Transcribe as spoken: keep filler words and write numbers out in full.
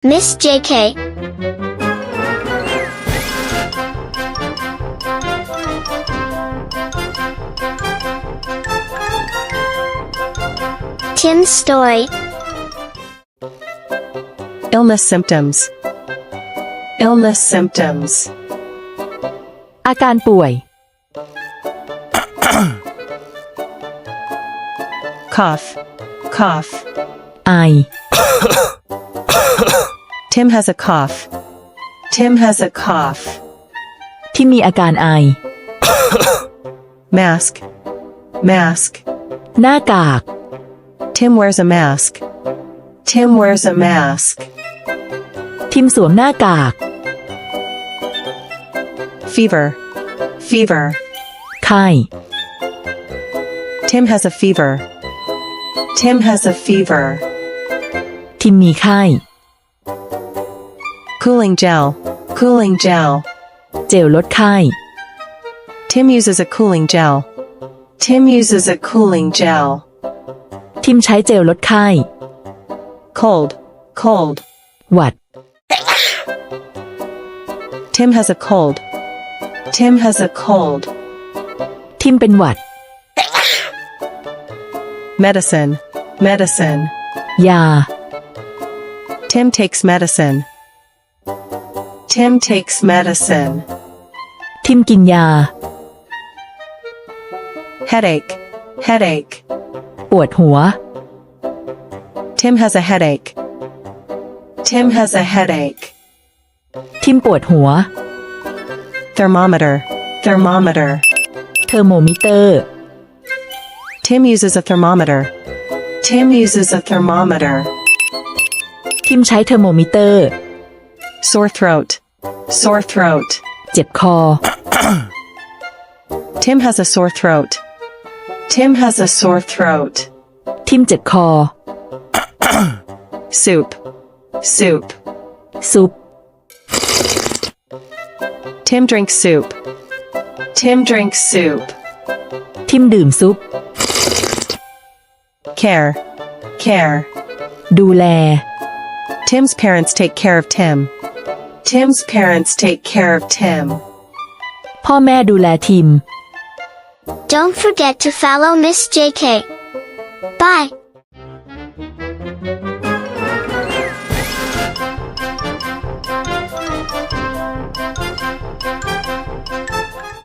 Miss J K. Tim's story. Illness symptoms. Illness symptoms. อาการป่วย Cough. Cough. ไอ Tim has a cough. Tim has a cough. ที่มีอาการไอ Mask. Mask. หน้ากาก Tim wears a mask. Tim wears a mask. ทิมสวมหน้ากาก Fever. Fever. ไข้ Tim has a fever. Tim has a fever. ทิมมีไข้ Cooling gel. Cooling gel. เจลลดไข้ Tim uses a cooling gel. Tim uses a cooling gel. ทิมใช้เจลลดไข้ Cold. Cold. หวัด Tim has a cold. Tim has a cold. ทิมเป็นหวัด Medicine. Medicine. ยา Tim takes medicine. Tim takes medicine. ทิมกินยา Headache. Headache. ปวดหัว Tim has a headache. Tim has a headache. ทิมปวดหัว Thermometer. Thermometer. เทอร์โมมิเตอร์ Tim uses a thermometer. Tim uses a thermometer. ทิมใช้เทอร์โมมิเตอร์ Sore throat. Sore throat. เจ็บคอ Tim has a sore throat. Tim has a sore throat. ทิมเจ็บคอ Soup. Soup. ซุป Tim drinks soup. Tim drinks soup. ทิมดื่มซุป Care. Care. ดูแล Tim's parents take care of Tim. Tim's parents take care of Tim. พ่อแม่ดูแลทิม Don't forget to follow Miss J K. Bye.